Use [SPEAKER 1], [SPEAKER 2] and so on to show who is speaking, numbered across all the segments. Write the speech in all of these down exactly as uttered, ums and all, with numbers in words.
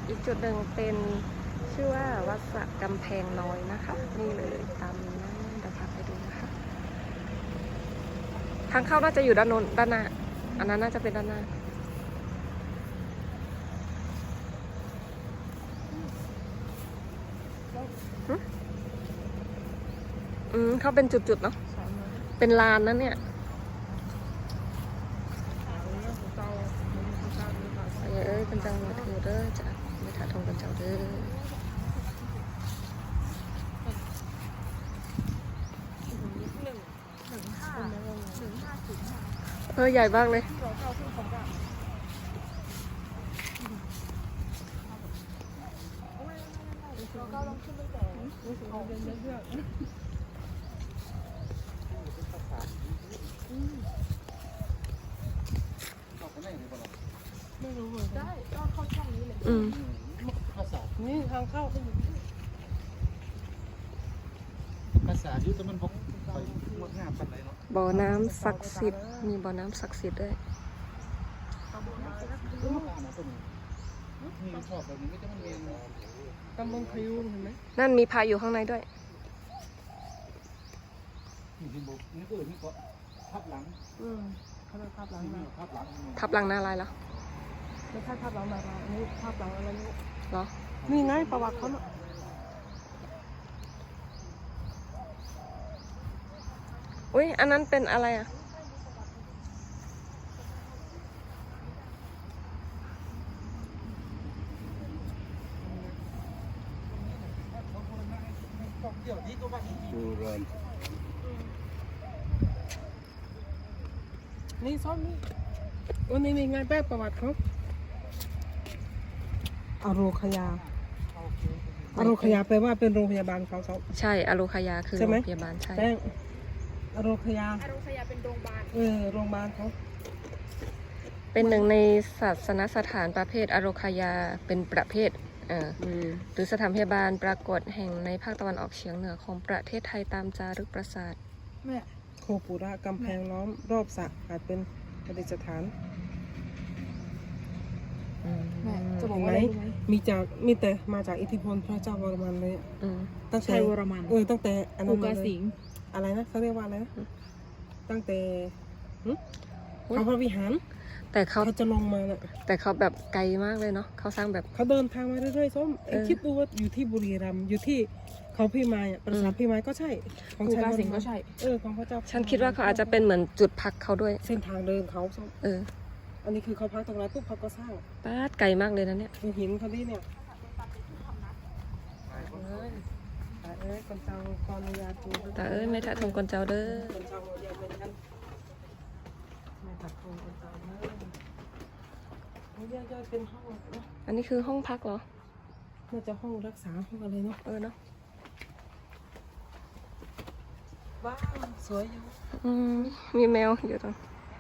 [SPEAKER 1] อีกจุดหนึ่งเป็นชื่อว่าวัดสระกำแพงน้อยนะคะนี่เลยตามนี้นะเดี๋ยวพาไปดูนะคะทางเข้าน่าจะอยู่ด้านโน้นด้านหน้าอันนั้นน่าจะเป็นด้านหน้าอืมเขาเป็นจุดๆเนาะเป็นลานนั่นเนี่ยเอ้ยเป็นจังหวัดเธอเด้อจ้ะไม่ถ่าทงกันเจ้าเด้อเออใหญ่มากเลย
[SPEAKER 2] ไม่รู้เหมือนกันได้ก็เข้าช่องนี้เลย
[SPEAKER 1] อืม
[SPEAKER 3] ภาษา
[SPEAKER 2] นี่ทางเข้าไปอยู่นี่
[SPEAKER 3] ภาษาอยู่แต่มันพกไปงดงามปันไหนเนาะ
[SPEAKER 1] บ่อน้ำศักดิ์สิทธิ์มีบ่อน้ำศักดิ์สิทธิ์ด้วย
[SPEAKER 3] มีชอบแบบนี้ก็จะมันเรียน
[SPEAKER 2] ตำบลพยุงเห็นไหม
[SPEAKER 1] นั่นมีพายอยู่ข้างในด้วย
[SPEAKER 3] มีที่บุกนี่ก็นี่ก็ทับหลัง
[SPEAKER 2] อืมเขาเรียกภาพหลัง
[SPEAKER 3] ที่
[SPEAKER 2] มา
[SPEAKER 3] นี่ทับหลัง
[SPEAKER 1] ทับหลังหน้าลายแล้ว
[SPEAKER 2] ไม่ใช่ภาพหลังมาอันนี้ภาพหลังอะไรนี่
[SPEAKER 1] เหรอ
[SPEAKER 2] นี่ไงประวัติเขาเนาะ
[SPEAKER 1] อุ้ยอันนั้นเป็นอะไรอ่ะ
[SPEAKER 3] ดูเริน
[SPEAKER 2] นี่ซ้อมนี่โอ้นี่นี่ไงแป๊บประวัติเขาอโรคยาอโรคยาแปลว่าเป็นโรงพยาบาลเขาเขา
[SPEAKER 1] ใช่อโลคายาคือ
[SPEAKER 2] ใช่
[SPEAKER 1] โร
[SPEAKER 2] ไหม
[SPEAKER 1] งพยาบาลใช่
[SPEAKER 2] แป้งอโรคยา
[SPEAKER 4] อโรคยาเป็นโรงพยาบาล
[SPEAKER 2] เออโรงพยาบาลเขา
[SPEAKER 1] เป็นหนึ่งในศาสนสถานประเภทอโลคายาเป็นประเภทเอ่อ
[SPEAKER 2] อืม
[SPEAKER 1] หรือสถานพยาบาลปรากฏแห่งในภาคตะวันออกเฉียงเหนือของประเทศไทยตามจารึกปราสาท
[SPEAKER 4] แม่
[SPEAKER 2] โคปุระกำแพงล้อมรอบสระอาจเป็นประดิษฐาน
[SPEAKER 4] แม่จะบอก
[SPEAKER 2] เห็น
[SPEAKER 4] ว่า
[SPEAKER 2] ไหม
[SPEAKER 4] อะไรรู้ไหม
[SPEAKER 2] มีจากมีแต่มาจากอิทธิพลพระเจ้าวรมันเลยอะ
[SPEAKER 1] อืม
[SPEAKER 2] ตั้งแต่
[SPEAKER 4] ชัยวรมัน
[SPEAKER 2] เออตั้งแต่อันนั้
[SPEAKER 4] กู
[SPEAKER 2] น
[SPEAKER 4] กา
[SPEAKER 2] มาเลย
[SPEAKER 4] สิงห์
[SPEAKER 2] อะไรนะเขาเรียกว่าอะไรนะตั้งแต่หึ
[SPEAKER 1] อุ๊ย
[SPEAKER 2] เขาพระวิหาร
[SPEAKER 1] แต่เขา
[SPEAKER 2] เขาจะลงมาน่ะ
[SPEAKER 1] แต่เขาแบบไกลมากเลยเนาะเขาสร้างแบบ
[SPEAKER 2] เขาเดินทางมาเรื่อยๆส้มเอ็ง
[SPEAKER 1] เออ
[SPEAKER 2] คิดดูว่าอยู่ที่บุรีรัมย์อยู่ที่เขาพี่มายอะปราสาท
[SPEAKER 1] อืม
[SPEAKER 2] พี่มายก็ใช่ของ
[SPEAKER 4] กู
[SPEAKER 2] ชัยว
[SPEAKER 4] การ
[SPEAKER 2] ร
[SPEAKER 4] สิงห์
[SPEAKER 2] มั
[SPEAKER 4] ก็
[SPEAKER 2] น
[SPEAKER 4] ใช่
[SPEAKER 2] เออของพระเจ้า
[SPEAKER 1] ฉันคิดว่าเขาอาจจะเป็นเหมือนจุดพักเขาด้วย
[SPEAKER 2] เส้นทางเดินเขาส้ม
[SPEAKER 1] เออ
[SPEAKER 2] อันนี้คือเขาพักตรงนั้นปุ๊บเขาก็สร้าง
[SPEAKER 1] ป้าดไกลมากเลยนะเนี่ย
[SPEAKER 2] ดูหินเขาดิเนี่ยเอ้ยตาเอ้ยคนเจ้าขออนุญาตดู
[SPEAKER 1] แต่เอ้ยไม่ถ่าทงกนเจ้าเด้อ
[SPEAKER 2] คนเจ้าอย่าเป็นกันไม่ตัดโครงคนเจ้าเด้อนี่ย่อยๆเป็นห้องเนาะ
[SPEAKER 1] อันนี้คือห้องพักเหรอ
[SPEAKER 2] น่าจะห้องรักษาห้องอะไรเนาะ
[SPEAKER 1] เออเนาะ
[SPEAKER 2] ว้าวสวยอยู่
[SPEAKER 1] อืมมีแมวอยู่ตรง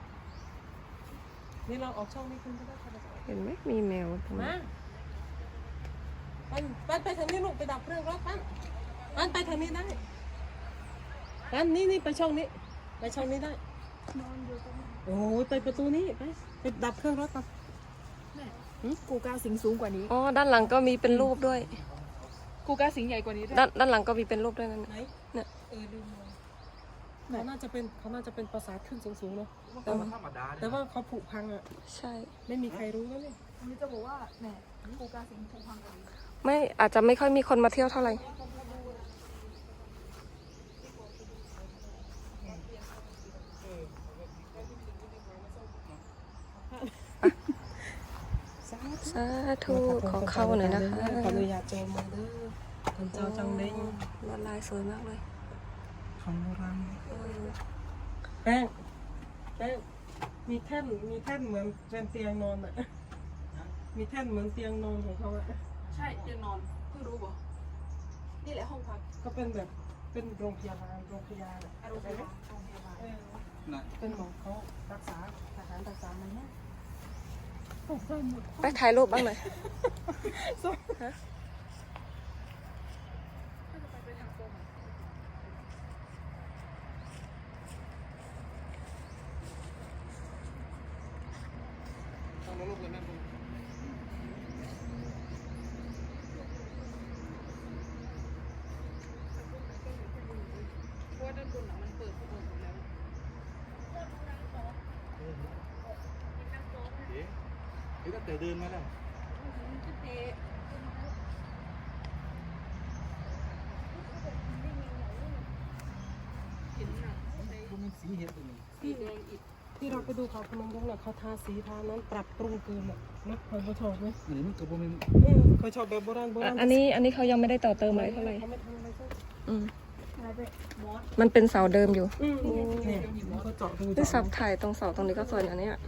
[SPEAKER 2] นี่เราออกช่องนี้คุณก็ได้ค่ะ
[SPEAKER 1] เห็นไหมมีแมวตรง
[SPEAKER 2] มา
[SPEAKER 1] นั้น
[SPEAKER 2] ปั้นปั้นไปทางนี้ลูกไปดับเครื่องรถปั้นปั้นไปทางนี้ได้ปั้นนี่นี่ไปช่องนี้ไปช่องนี้ได้โอ้ยไปประตูนี้ไปไปดับเครื่องรถก่อน
[SPEAKER 4] แม่กูกาสิงห์สูงกว่านี้
[SPEAKER 1] อ๋อด้านหลังก็มีเป็นรูปด้วย
[SPEAKER 4] กูกาสิงห์ใหญ่กว่านี้ด้วย
[SPEAKER 1] ด้านด้านหลังก็มีเป็นรูปด้วยนั่น
[SPEAKER 2] ไหน
[SPEAKER 1] น่ะเนี่ย
[SPEAKER 2] เออดูมองเขาน่าจะเป็นเขาน่าจะเป็นปราสาทขึ้นสูงๆเนาะแต่ว่า
[SPEAKER 3] ธรรมดา
[SPEAKER 2] แต่ว่าเขาผุพังอ่ะ
[SPEAKER 1] ใช่
[SPEAKER 2] ไม่มีใครรู้แล้วเนี่ย
[SPEAKER 4] อันนี้จะบอกว่าแม่กูกาสิงห์ถูกพังกว่านี้
[SPEAKER 1] ไม่อาจจะไม่ค่อยมีคนมาเที่ยวเท่าไหร่สาธุขอเข้าหน่อยนะคะ
[SPEAKER 2] ขออนุญาตโจมมาเด้อคนเจ้าจังเด้ง
[SPEAKER 1] ลวดลายสวยมากเลย
[SPEAKER 2] ของโบราณ
[SPEAKER 1] เออ
[SPEAKER 2] แป้งแป้งมีแท่นมีแท่นเหมือนเป็นเตียงนอนอ่ะมีแท่นเหมือนเตียงนอนของเขาอ่ะ
[SPEAKER 4] ใช่เตียงนอนเพิ่งรู้บ่นี่แหละห้องพัก
[SPEAKER 2] ก็เป็นแบบเป็นโรงพยาบาลโรงพยาบาล
[SPEAKER 4] อโรคยาโรงพยาบาล
[SPEAKER 2] เออ
[SPEAKER 3] นะ
[SPEAKER 2] เป็นหมอเขารักษาทหารรักษามันเนี่ยตกใจหมด
[SPEAKER 1] ไปถ่ายรูปบ้างหน่อย ฮะ
[SPEAKER 4] ถ้าจะไปไปทางตรง
[SPEAKER 3] ทำรูปเลยแม่แต่เดินมาได้ก็มันสีเห็ดตัวนี้
[SPEAKER 2] ที่ที่เราไปดูเขาพนมรุ้งน่ะเขาทาสีทานั้นปรับปรุงเกินอ่ะนะเคยชอบไหม
[SPEAKER 3] อันนี้มันก็บ่แม่น
[SPEAKER 2] เออเคยชอบแบบโบราณโบราณ
[SPEAKER 1] อันนี้อันนี้เขายังไม่ได้ต่อเติมอะไรเท่าไหร่
[SPEAKER 2] เขาไม่ทำอะไรสัก
[SPEAKER 1] อืมมันเป็นเสาเดิมอยู่
[SPEAKER 2] อืมเนี่ยมันก็เจาะดู
[SPEAKER 1] ที่สับถ่ายตรงเสาตรงนี้ก็สวยนะเนี่ย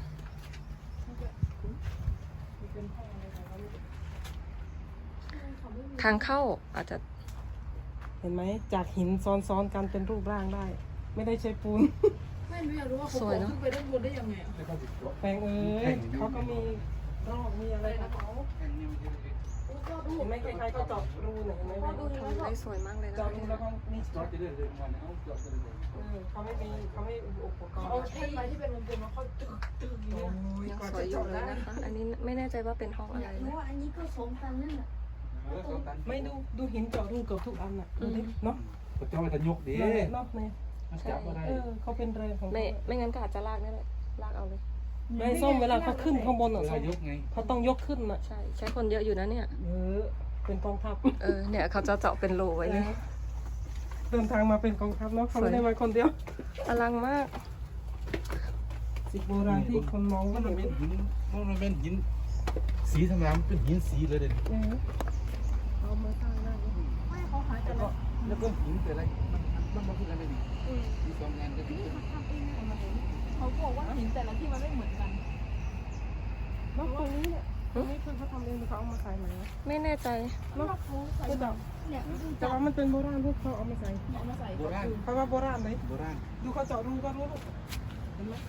[SPEAKER 1] ทางเข้าอาจจะ
[SPEAKER 2] เห็นไหมจากหินซ้อนๆกันเป็นรูปร่างได้ ไม่ได้ใช้ปูน
[SPEAKER 4] ไม่รู้อยากรู้ว่าเขาโผล่ขึ้นไปด้านบนได้ยังไงอ่ะ
[SPEAKER 3] แล้วก็สิบตัว
[SPEAKER 2] แปลงเอ้ยเขาก็มีรอกมีอะไรของเขา
[SPEAKER 3] แค่นี้มันจะได้
[SPEAKER 2] เห็นไหมใครๆก็เจาะรูไหนเห็นไหม
[SPEAKER 1] ทำได้สวยมากเลยนะ
[SPEAKER 2] เจาะรูแล้วก็มี
[SPEAKER 3] จอดจะได้เดินวันเอาจอดจะได้เดิน
[SPEAKER 2] เออเขาไม่มีเขาไม่มีอุปกรณ์
[SPEAKER 4] เอาเส้นไม้ที่เป็นวงกลมแล้วเขาตึกตึกอย่าง
[SPEAKER 2] โอ้
[SPEAKER 4] เงี้ย
[SPEAKER 2] ย
[SPEAKER 1] ยัง
[SPEAKER 2] กว่า
[SPEAKER 1] สว
[SPEAKER 2] จะ
[SPEAKER 1] ยอยู่
[SPEAKER 2] เจาะ
[SPEAKER 1] เลย
[SPEAKER 2] ได้
[SPEAKER 1] นะคะ อันนี้ไม่แน่ใจว่าเป็นห้องอะไร
[SPEAKER 5] เพ
[SPEAKER 1] นะ
[SPEAKER 5] ราะว่าอันนี้ก็สองตันนั่นแหละ
[SPEAKER 3] เออสองตัน
[SPEAKER 2] ไม่ดูดูหินเจาะรูเกือบทุกอันน่ะดูดิเนาะ
[SPEAKER 3] ก็จะว่าจะยกดี
[SPEAKER 2] นั่นแหละเนาะเนี่ย
[SPEAKER 3] มันจับบ่ได้
[SPEAKER 2] เออเขาเป็นแรงของ
[SPEAKER 1] ไม่
[SPEAKER 2] เขา
[SPEAKER 1] ไม่งั้นก็อาจจะลากนี่แหละลากเอาเลย
[SPEAKER 2] ไม่ส้มเวลาเขาขึ้นข้างบน
[SPEAKER 3] เว
[SPEAKER 2] อ่ะ
[SPEAKER 3] ลายกไง
[SPEAKER 2] เขาต้องยกขึ้นอ่ะ
[SPEAKER 1] ใช่ ใช้คนเยอะอยู่นะเนี่ย
[SPEAKER 2] เออเป็นกองทัพ
[SPEAKER 1] เออ เนี่ยเขาจะเจาะเป็นรูไว้เลย
[SPEAKER 2] เดินทางมาเป็นกองทัพเนาะเขาไม่ได้มาคนเดียว
[SPEAKER 1] อลังมาก
[SPEAKER 2] สิบโบราณที่คนมอง
[SPEAKER 3] มั
[SPEAKER 2] ก็
[SPEAKER 3] น
[SPEAKER 2] เห็น
[SPEAKER 3] เป็นหินมันเป็นหินสีธรรมดามันเป็นหินสีเลยเด่น
[SPEAKER 2] เออเอามาสร้างได้
[SPEAKER 4] ไม่เขาหายแต่ละ
[SPEAKER 3] แล้วก็หินแต่อะไรมันมันบ่คืออะไรนี่มีสองงานก็คือ
[SPEAKER 4] เขาบอกว่าหินแต่ละที่มันไม่เหมือนกัน
[SPEAKER 2] เนาะตรงนี้เนี่ยตรงนี้คือเขาทำเองหรือเขาเอามาใส่ไหม
[SPEAKER 1] ไม่แน่ใจ
[SPEAKER 2] เนาะก็แบบ
[SPEAKER 5] เนี่ยดู
[SPEAKER 2] แต่ว่ามันเป็นโบราณพวกเขาเอามาใส่
[SPEAKER 4] เอามาใส่
[SPEAKER 3] โบราณ
[SPEAKER 2] เพราะว่าโบราณเลย
[SPEAKER 3] โบราณ
[SPEAKER 2] ดูเขาเจาะรูก็รู้เห็นไหม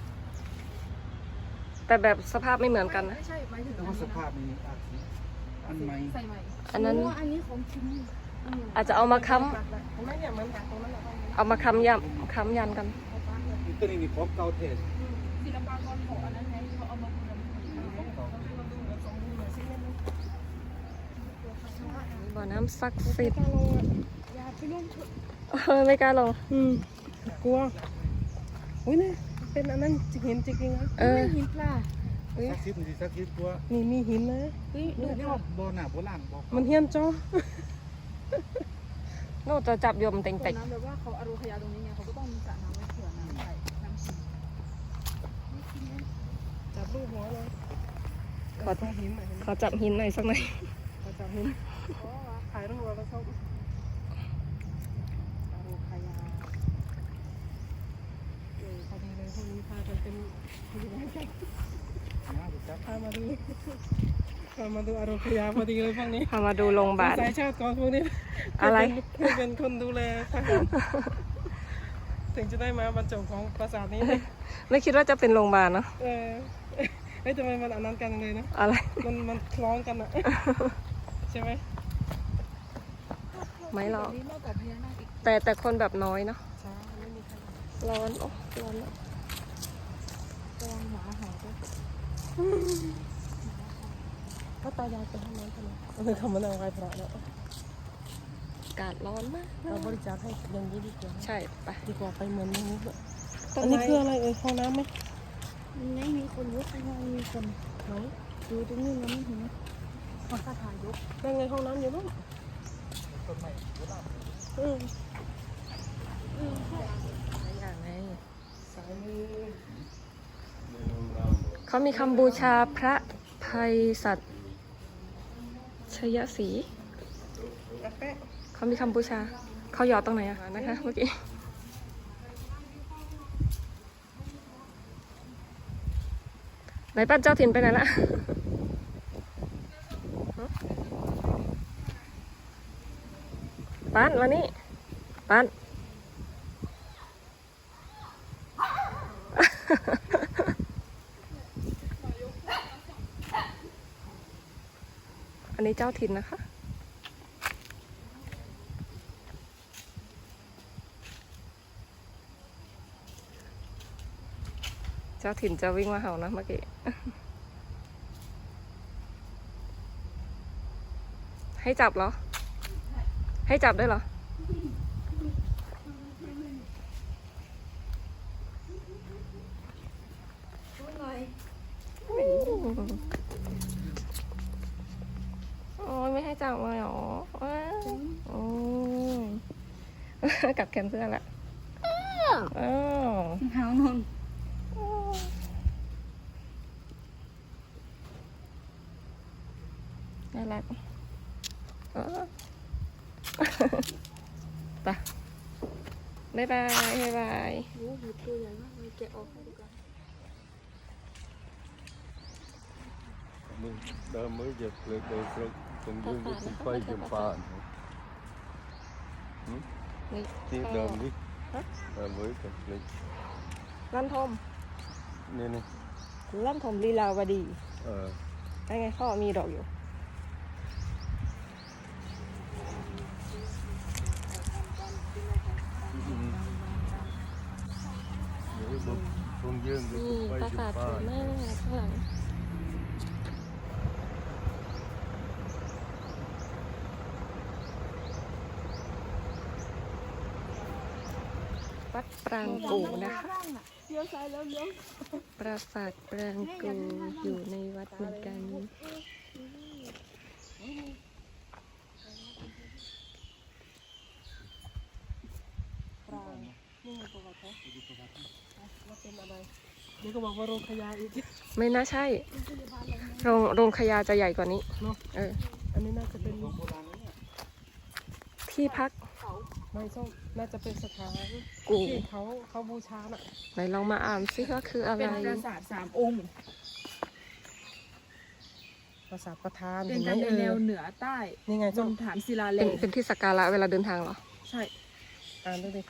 [SPEAKER 1] แต่แบบสภาพไม่เหมือนกันนะ
[SPEAKER 4] ไม่ใช่หมายถึง
[SPEAKER 3] แต่ว่าสภาพนี้อาจสิอันใหม่
[SPEAKER 4] ใส่ใหม่
[SPEAKER 1] อันนั้น
[SPEAKER 5] เพราะว่าอันนี้ของจริง
[SPEAKER 1] อาจจะเอามาค้
[SPEAKER 2] เห็นไหมเนี่ยเหมือนตรงนั้นแหละ
[SPEAKER 1] ำเอามาค้ำยันค้ำยันกัน
[SPEAKER 3] ตัวนี้มีของเก่าเทศ
[SPEAKER 4] ศิลปากรของอันนั้นไงเขาเอามาบูรณะ
[SPEAKER 1] บ่อน้ำศักดิ์สิทธิ์
[SPEAKER 5] อย่าไปร่วมชุด
[SPEAKER 1] เออไม่กล้าลง
[SPEAKER 2] อืมกลัวอุ้ยเนี่ยเป็นอันนั้นเห็นจริงๆนะ
[SPEAKER 1] เออ
[SPEAKER 5] หินปลา
[SPEAKER 3] สักทิศนี่สักทิศกว่า
[SPEAKER 2] นี่มีหินนะ
[SPEAKER 5] เฮ้ยดู
[SPEAKER 3] นี่ว่าบ่อหน้าโบราณบ่
[SPEAKER 2] มันเฮี้ยนจ้อ
[SPEAKER 1] โน่จะจับโยมเต็ง
[SPEAKER 4] ส่ว
[SPEAKER 1] เต็
[SPEAKER 4] น
[SPEAKER 1] ง
[SPEAKER 4] น้ำแบบว่าเขาอารูขยาตรงนี้ไงเขาก็ต้องมีสระน้ำไว้เผื่อน้ำใส่น้ำชิม
[SPEAKER 2] จับรูปหัวเลย
[SPEAKER 1] ขอ
[SPEAKER 2] ตรงหินหน่อยเห็นไหม
[SPEAKER 1] ขอจับหินหน่อยสักหน่อย
[SPEAKER 2] ขอจับหินถ่ายรูปแล้วชอบอารูคายาเออพอดีเลยพวกนี้พากันเป็นผู้ใหญ่กัน
[SPEAKER 3] น้าไปจับ
[SPEAKER 2] พามาดูพามาดูอารูคายาพอดีเลยพวกนี้
[SPEAKER 1] พามาดูโรงพยาบาล
[SPEAKER 2] สายชาติก่อนพวกนี้
[SPEAKER 1] อะไร
[SPEAKER 2] ให้เป็นคนดูแลทหารถึงจะได้มาบรรจบของปราสาทนี้นะ
[SPEAKER 1] ไม่คิดว่าจะเป็นโรงพยาบาลเนาะ
[SPEAKER 2] เออเฮ้ยทำไมมันอันนั้นกันเลยนะ
[SPEAKER 1] อะไร
[SPEAKER 2] มันมันคล้องกันอะใช่ไหม
[SPEAKER 1] ไม่หรอก
[SPEAKER 4] นี่มากกว่าพญานาคอีก
[SPEAKER 1] แต่แต่คนแบบน้อยเนาะ
[SPEAKER 2] ใช่ไม่มีใคร
[SPEAKER 1] ร้อนโอ้ร้อนอะ
[SPEAKER 4] ระวังหมาเห่าด้วย
[SPEAKER 2] ก็ตายายไปทำนั้นทำไมเออเขามานั่งไหว้พระแล้ว
[SPEAKER 1] อากาศร้อนมาก
[SPEAKER 2] เราบริจาคให้อย่างนี้ดีกว่า
[SPEAKER 1] ใช่ไป
[SPEAKER 2] ดีกว่าไปเหมือนนี้ด้วย
[SPEAKER 1] ต้
[SPEAKER 2] อัน
[SPEAKER 1] ไม้
[SPEAKER 2] นี้คืออะไรเอ่ยห้องน้ำไหม
[SPEAKER 5] มันไม่มีคนยกข้างล่างมีคน
[SPEAKER 2] ไหน
[SPEAKER 5] ดูตรงนี้มันไม่เห็นขอคาถายก
[SPEAKER 2] นั่งในห้องน้ำอยู่บ้าง
[SPEAKER 3] ต้นไม้โบราณ
[SPEAKER 2] อืม
[SPEAKER 1] หลายอย่างไง
[SPEAKER 2] สายมือ
[SPEAKER 1] เขามีคำบูชาพระภัยสัตย์ชยศรี
[SPEAKER 2] กาแฟ
[SPEAKER 1] เขามีคำบูชา เขาหยอดตรงไหนอะนะคะเมื่อกี้ ไหนป้าเจ้าถิ่นไปไหนละป้านมานี่ป้าน อันนี้เจ้าถิ่นนะคะ เจ้าถิ่นจะวิ่งมาเห่านะเมื่อกี้ ให้จับเหรอ ให้จับด้วยเหรอ
[SPEAKER 5] ดูหน่อย
[SPEAKER 1] โอ้โหให้จับเลยเหรอว้าวโอ้ย กลับแขนเสื้อละอ้าว
[SPEAKER 5] หางนน
[SPEAKER 1] น่ารักเออ ไปบ๊ายบายบ๊ายบาย
[SPEAKER 5] โอ้โหตัวใหญ่มากเลยแกะออกให้ดูกัน
[SPEAKER 6] mình đã mới dẹp lại đây rồi từng dương cái cũng quay chậm phà
[SPEAKER 1] นี่
[SPEAKER 6] ที่เดิมดิเออmớiกับเลย
[SPEAKER 1] ลั่นทม
[SPEAKER 6] นี่นี่
[SPEAKER 1] ลั่นทมลีลาวดี
[SPEAKER 6] เออ
[SPEAKER 1] ไอ้ไงเขามีดอกอยู่
[SPEAKER 6] เดี๋ยวบนบนdương cái
[SPEAKER 1] นี่
[SPEAKER 6] cũng
[SPEAKER 1] ป
[SPEAKER 6] quay
[SPEAKER 1] ราสาท
[SPEAKER 6] chậm
[SPEAKER 1] สวย
[SPEAKER 6] phà
[SPEAKER 1] มากข้างหลังวัดปรางกูนะคะ
[SPEAKER 5] เลี้ยวซ้ายแล้วเลี้ยว
[SPEAKER 1] ปราสาทปรางกูอยู่ในวัดเหมือนกัน
[SPEAKER 2] ปรางนี่ไงประวัติเขาว่าเป็นอะไรนี่ก็บอกว่าโรงขยะอีก
[SPEAKER 1] ไม่น่าใช่ โรงโรงขยาจะใหญ่กว่านี้
[SPEAKER 2] เนาะ
[SPEAKER 1] เออ
[SPEAKER 2] อันนี้น่าจะเป็น
[SPEAKER 1] ที่พัก
[SPEAKER 2] ไม่ส้มน่าจะเป็นสถาน
[SPEAKER 1] กู
[SPEAKER 2] ที่เขาเขาบูชาน่ะ
[SPEAKER 1] ไหนลองมาอ่านซิว่าคืออะไร
[SPEAKER 4] เป็นปราสาทสามองค์
[SPEAKER 2] ปราสาทประธาน
[SPEAKER 4] เป็น
[SPEAKER 2] เห็
[SPEAKER 4] กัน
[SPEAKER 2] ไหม
[SPEAKER 4] ในแนวเหนือใต้
[SPEAKER 2] นี่ไง
[SPEAKER 4] บ
[SPEAKER 2] ส้ม
[SPEAKER 4] นฐานศิลาแร
[SPEAKER 1] เป็น
[SPEAKER 4] ง
[SPEAKER 1] เป็นที่สักการะเวลาเดินทางเหรอ
[SPEAKER 2] ใช่อ่านดูดิ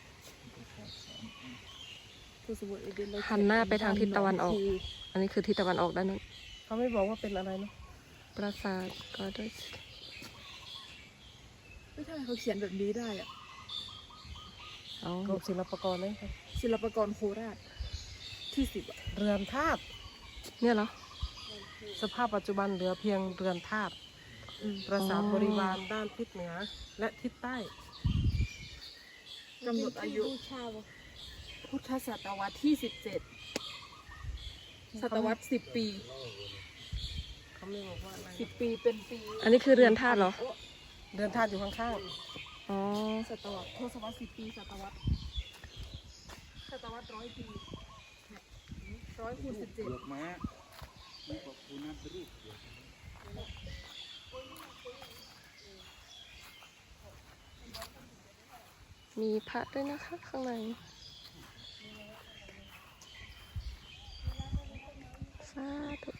[SPEAKER 4] ผู้สมุทรเอเดน
[SPEAKER 1] หันหน้าไปทางทิศตะวันออก อันนี้คือทิศตะวันออกด้านนู้น
[SPEAKER 2] เขาไม่บอกว่าเป็นอะไรเนาะ
[SPEAKER 1] ปราสาทก็ด้วย
[SPEAKER 4] ไม่ใช่เขาเขียนแบบนี้ได้อะ
[SPEAKER 1] เอา
[SPEAKER 2] กรมศิลปากรเลยครับ
[SPEAKER 4] ศิลปากรโคราชที่สิบอะ
[SPEAKER 2] เรือนธาตุ
[SPEAKER 1] เนี่ยเหรอ
[SPEAKER 2] สภาพปัจจุบันเหลือเพียงเรือนธาตุปราสาทบริวารด้านทิศเหนือและทิศใต้
[SPEAKER 4] กำหนดอายุพุทธศตวรรษที่สิบเจ็ดศตวรรษสิบปี
[SPEAKER 2] เขาไม่บอกว่าอะไร
[SPEAKER 4] สิบปีเป็นปี
[SPEAKER 1] อันนี้คือเรือนธาตุเหรอ
[SPEAKER 2] เรือนธาตุอยู่ข้าง
[SPEAKER 1] อ๋อ
[SPEAKER 4] ศตวรรษทศวรรษสิบปีศตวรรษศตวรรษร้อยปีร้อยคูณสิบเจ็ด
[SPEAKER 3] เลือกม้านี่ก็คูนับไปรูป
[SPEAKER 1] มีพระด้วยนะคะข้างในสาธุ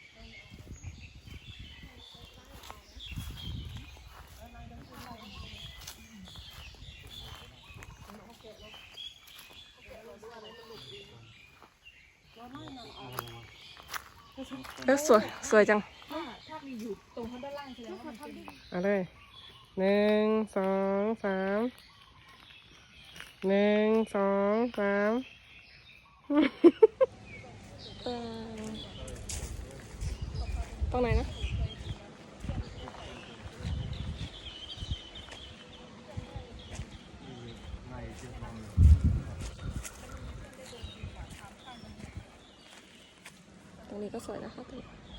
[SPEAKER 1] เออสวย สวยจัง
[SPEAKER 4] ถ้าถ้ามีอยู่ตรงข้างด้านล่างแสดงว่ามันเป็น
[SPEAKER 2] ๆเอาเลยหนึ่งสองสามหนึ่งสองสาม
[SPEAKER 1] ตรงไหนนะ ตรงนี้ก็สวยนะคะตรงนี้